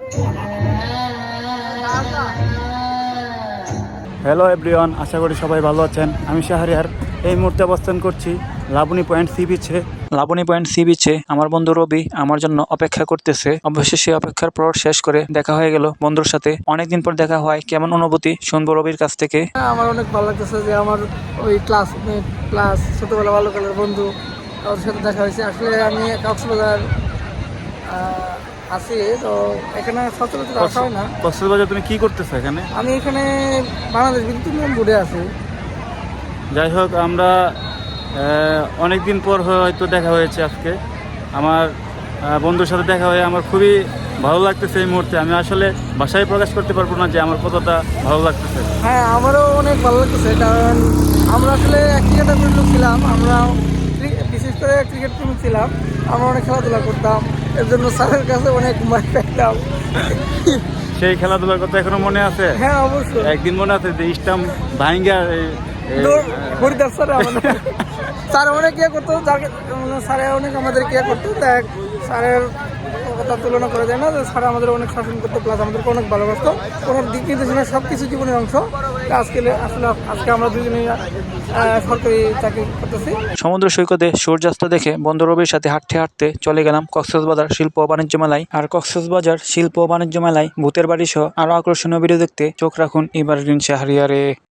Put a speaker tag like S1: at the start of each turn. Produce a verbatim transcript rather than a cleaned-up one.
S1: Hello everyone, আশা করি সবাই ভালো আছেন। আমি শাহরিয়ার এই মুহূর্তে অবস্থান করছি লাবণী পয়েন্ট সি বিচে। লাবণী পয়েন্ট সি বিচে আমার বন্ধু রবি আমার জন্য অপেক্ষা করতেছে। অবশ্যই সে অপেক্ষার পর শেষ করে দেখা হয়ে গেল বন্ধুর সাথে। অনেকদিন পর দেখা হয়, কেমন অনুভূতি শুনবো রবির কাছ থেকে।
S2: হ্যাঁ, আমার অনেক ভালো লাগতেছে যে আমার ওই ক্লাসমেট প্লাস ছোটোবেলা বাল্যকালের বন্ধু ওর সাথে দেখা হয়েছে। আসলে আমি কক্সবাজার আহ, আছি, তো এখানে সচরাচর আসা হয় না।
S1: কক্সবাজার তুমি কি করতেছো এখানে?
S2: আমি এখানে বাংলাদেশ বিদ্যুৎ উন্নয়ন বোর্ডে আছি।
S1: যাই হোক, আমরা অনেক দিন পর হয়তো দেখা হয়েছে আজকে। আমার আহ, বন্ধুর সাথে দেখা হয়ে আমার খুবই ভালো লাগতেছে এই মুহূর্তে। আমি আসলে ভাষায় প্রকাশ করতে পারবো না যে আমার কতটা ভালো লাগতেছে।
S2: হ্যাঁ, আমারও অনেক ভালো লাগতেছে, কারণ আমরা আসলে ক্রিকেটার লোক ছিলাম। আমরা ক্রি- বিশেষ করে ক্রিকেট টিম ছিলাম। আমরা অনেক খেলাধুলা করতাম, এর জন্য স্যারের কাছে অনেক মার পেতাম।
S1: সেই খেলাধুলার কথা এখনো মনে আছে?
S2: হ্যাঁ, অবশ্যই।
S1: একদিন মনে আছে যে স্টাম্প ভাঙ্গা
S2: দৌড় হরিদাস স্যার আমাদের স্যার অনেক ইয়ে করতো, যাকে মানে স্যারে অনেক আমাদের ইয়ে করতো। দেখ, স্যারের কথা তুলনা করা যায় না যে স্যার আমাদের অনেক শাসন করতো, প্লাস আমাদেরকে অনেক ভালোবাসতো। ওনার দিক নির্দেশনা সব কিছু জীবনের অংশ। আজকে আসলে আজকে আমরা দুজনেই আহ, সরকারি চাকরি করতেছি।
S1: সমুদ্র সৈকতে সূর্যাস্ত দেখে বন্ধু রবির সাথে হাঁটতে হাঁটতে চলে গেলাম কক্সবাজার শিল্প ও বাণিজ্য মেলায়। আর কক্সবাজার শিল্প ও বাণিজ্য মেলায় ভূতের বাড়ি সহ আরো আকর্ষণীয় ভিডিও দেখতে চোখ রাখুন এবার শাহরিয়ারে।